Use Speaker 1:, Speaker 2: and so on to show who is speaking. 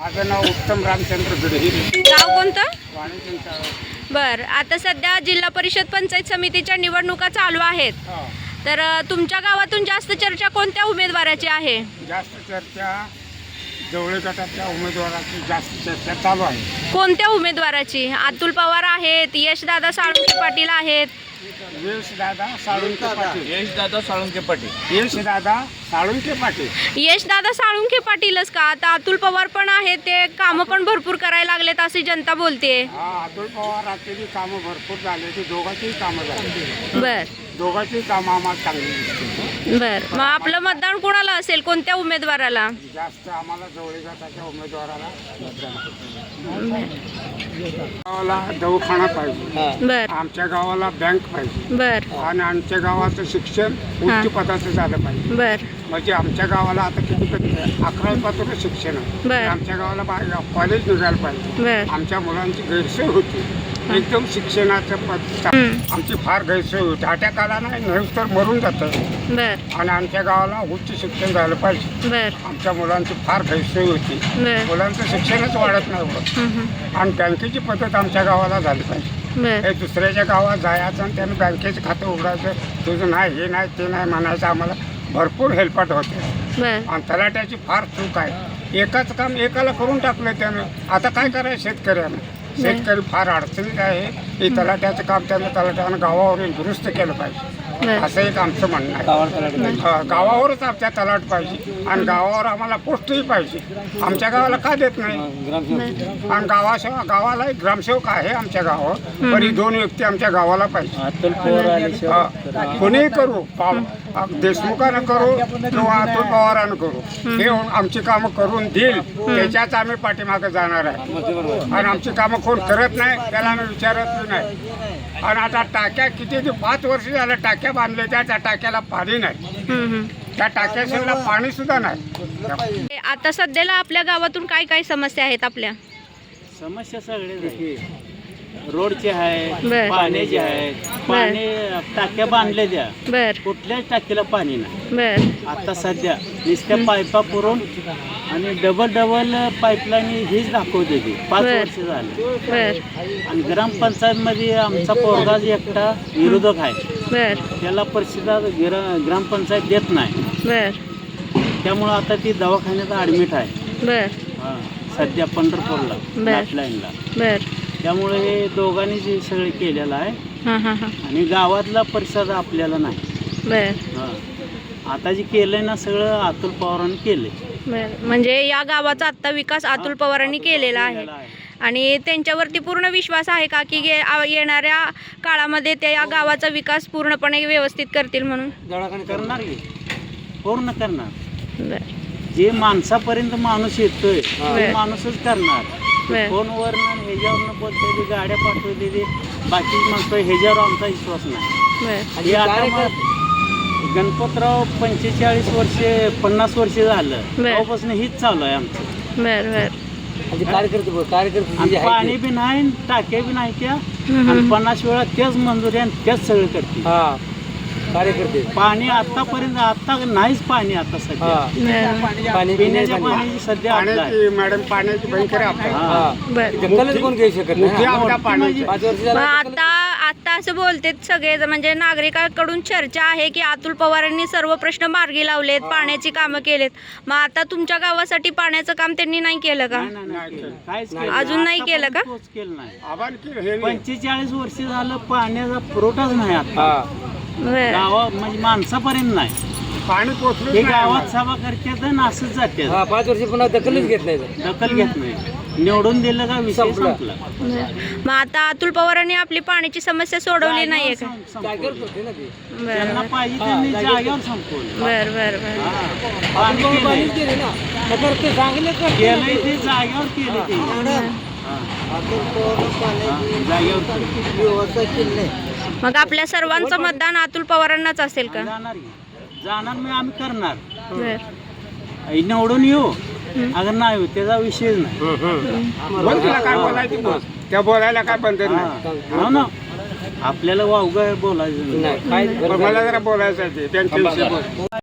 Speaker 1: माझं नाव उत्तम रामचंद्र गिडहिरे.
Speaker 2: गाव कोणतं?
Speaker 1: वाणिज्य.
Speaker 2: बर, आता सध्या जिल्हा परिषद पंचायत समितीच्या निवडणुका चालू आहेत. तर तुमच्या गावातून जास्त चर्चा कोणत्या उमेदवाराची आहे?
Speaker 1: जास्त चर्चा जवळ गटाच्या उमेदवाराची जास्त चर्चा चालू आहे.
Speaker 2: कोणत्या उमेदवाराची? अतुल पवार आहेत, यशदादा साळुंखे पाटील आहेत.
Speaker 1: यशदादा साळुंखे पाटील.
Speaker 3: यशदादा साळुंखे पाटील.
Speaker 1: यशदादा साळुंखे पाटील.
Speaker 2: यशदादा साळुंखे पाटीलच का? आता अतुल पवार पण आहेत, ते कामं पण भरपूर करायला लागलेत अशी जनता बोलते.
Speaker 1: हा, अतुल पवारांची कामं भरपूर झाले. ती दोघांचीही कामं झाली.
Speaker 2: बर
Speaker 1: दोघांची कामं आम्हाला चांगली दिसते.
Speaker 2: बर, मग आपलं मतदान कोणाला असेल? कोणत्या उमेदवाराला?
Speaker 1: जास्त आम्हाला जवळ गटाच्या उमेदवाराला गावाला दवाखाना पाहिजे.
Speaker 2: बर
Speaker 1: आमच्या गावाला बँक पाहिजे.
Speaker 2: बर
Speaker 1: आणि आमच्या गावाचं शिक्षण उच्च पदाचं झालं पाहिजे.
Speaker 2: बर
Speaker 1: म्हणजे आमच्या गावाला आता किती 11वीपासून शिक्षण आहे.
Speaker 2: बरं.
Speaker 1: आमच्या गावाला कॉलेज निघायला पाहिजे.
Speaker 2: बर
Speaker 1: आमच्या मुलांची गैरसोय होती. एकदम शिक्षणाचं पद आमची फार गैरसोय होती. अटॅकाला नाही तर मरून जातं.
Speaker 2: बर
Speaker 1: आणि आमच्या गावाला उच्च शिक्षण झालं पाहिजे.
Speaker 2: बर
Speaker 1: आमच्या मुलांची फार गैरसोय होती.
Speaker 2: बर
Speaker 1: मुलांचं शिक्षणच वाढत नाही होत. आणि बँकेची पद्धत आमच्या गावाला झाली पाहिजे.
Speaker 2: बर
Speaker 1: हे दुसऱ्याच्या गावात जायचं आणि त्यानं बँकेचं खातं उघडायचं, तुझं नाही हे नाही ते नाही म्हणायचं. आम्हाला भरपूर हेल्पट होते.
Speaker 2: बर
Speaker 1: आणि तलाट्याची फार चूक आहे. एकाच काम एकाला करून टाकलं त्यानं. आता काय करायचं शेतकऱ्यानं? शेतकरी फार अडचणीत आहे. हे तलाट्याचं काम तलाट्यानं गावावरील दुरुस्त केलं पाहिजे. असं एक आमचं म्हणणं आहे. गावावरच आमच्या तलाट पाहिजे आणि गावावर आम्हाला पोस्टही पाहिजे. आमच्या गावाला का देत नाही? आणि गावाला एक ग्रामसेवक आहे आमच्या गावावर. पण ही 2 व्यक्ती आमच्या गावाला पाहिजे. कोणीही करू, देशमुखानं करू किंवा अतुल पवारानं करू, हे आमची कामं करून देईल त्याच्याच आम्ही पाठीमागे जाणार आहे. आणि आमची कामं कोण करत नाही त्याला आम्ही विचारत नाही. आणि आता टाक्या किती 5 वर्ष झालं टाक्या बांधले, त्या टाक्याला पाणी नाही. त्या टाक्याला पाणी सुद्धा नाही.
Speaker 2: आता सध्याला आपल्या गावातून काय काय समस्या आहेत आपल्या?
Speaker 4: समस्या सगळे रोडचे आहे,
Speaker 2: बर.
Speaker 4: पाण्याचे आहे. पाणी टाक्या बांधले द्या,
Speaker 2: बर
Speaker 4: कुठल्याच टाकीला पाणी नाही.
Speaker 2: बर
Speaker 4: आता सध्या नुसत्या पाईपा पुरवून आणि डबल पाईपलाईन हीच दाखवते ती 5
Speaker 2: बर.
Speaker 4: वर्ष झाले.
Speaker 2: बर
Speaker 4: आणि ग्रामपंचायतमध्ये आमचा पोरगाच एकटा विरोधक आहे.
Speaker 2: बर
Speaker 4: त्याला परिषदा ग्रामपंचायत देत नाही.
Speaker 2: बर
Speaker 4: त्यामुळं आता ती दवाखान्यात ॲडमिट आहे.
Speaker 2: बर
Speaker 4: सध्या पंढरपूरला
Speaker 2: बर.
Speaker 4: लाईनला.
Speaker 2: बर
Speaker 4: त्यामुळे हे दोघांनी जे सगळे केलेलं आहे.
Speaker 2: हां हां हां
Speaker 4: आणि गावातला परिसर आपल्याला नाही.
Speaker 2: बर
Speaker 4: आता जे केलंय ना सगळं अतुल पवारांनी केलंय.
Speaker 2: बर, म्हणजे या गावाचा आत्ता विकास अतुल पवारांनी केलेला आहे. आणि त्यांच्यावरती पूर्ण विश्वास आहे का की येणाऱ्या काळामध्ये ते या गावाचा विकास पूर्णपणे व्यवस्थित करतील म्हणून?
Speaker 4: करणार की पूर्ण करणार.
Speaker 2: बर
Speaker 4: जे माणसापर्यंत माणूस येतोय ते माणूसच करणार.
Speaker 2: बर
Speaker 4: फोनवर ह्याच्यावरनं बोलतोय, ते गाड्या पाठवते, ते बाकी म्हणतोय, ह्याच्यावर आमचा विश्वास नाही.
Speaker 2: बर
Speaker 4: हे आता मग गणपतराव 45 वर्षे 50 वर्षे झालं तेव्हापासून हीच चालू आहे आमचं.
Speaker 2: बर बर
Speaker 4: आणि पाणी बी नाही, टाक्या बी नाही त्या. आणि 50 वेळा त्याच मंजुरी आणि त्याच सगळं करते कार्यकर्ते. पाणी आतापर्यंत आता नाहीच पाणी. आता सध्या पिण्याच्या पाण्याची सध्या आपलं आहे.
Speaker 1: पाण्याची मॅडम पाण्याची भयंकर
Speaker 2: बर
Speaker 4: कोण घेऊ शकत
Speaker 1: पाण्याची.
Speaker 2: मग आता असं बोलते सगळे, म्हणजे नागरिकांकडून चर्चा आहे की अतुल पवारांनी सर्व प्रश्न मार्गी लावलेत, पाण्याची कामं केलेत. मग आता तुमच्या गावासाठी पाण्याचं काम त्यांनी नाही केलं का?
Speaker 4: काहीच
Speaker 2: अजून नाही केलं का?
Speaker 4: केलं नाही.
Speaker 1: आभार
Speaker 4: 45 वर्ष झालं पाण्याचा पुरवठाच नाही आता
Speaker 2: बर
Speaker 4: गावात, म्हणजे माणसापर्यंत नाही.
Speaker 1: पाणी
Speaker 4: हे
Speaker 1: पोचलं
Speaker 4: गावात सभा करतात आणि असंच जाते.
Speaker 5: 5 वर्ष पुन्हा दखलच घेत नाही.
Speaker 4: दखल घेत नाही. निवडून दिलं का विषय संपला.
Speaker 2: मग आता अतुल पवारांनी आपली पाण्याची समस्या सोडवली नाहीये का?
Speaker 4: त्यांना पाहिजे त्यांनी जागेवर संपवलं.
Speaker 2: बर बर बर
Speaker 4: पाणी केलंय. केलंय ते जागेवर केलं ते. जागेवर केलं.
Speaker 2: मग आपल्या सर्वांचं मतदान अतुल पवारांनाच असेल का?
Speaker 4: जाणार मी आम्ही करणार.
Speaker 2: बर
Speaker 4: निवडून येऊ अगर नाही येऊ त्याचा विषयच नाही.
Speaker 1: बोल, तुला काय बोलायचं बोल. त्या बोलायला काय बंधन नाही.
Speaker 4: हो ना, आपल्याला वावगं बोलायचं नाही.
Speaker 1: मला जरा बोलायचं आहे त्यांच्याविषयी बोल.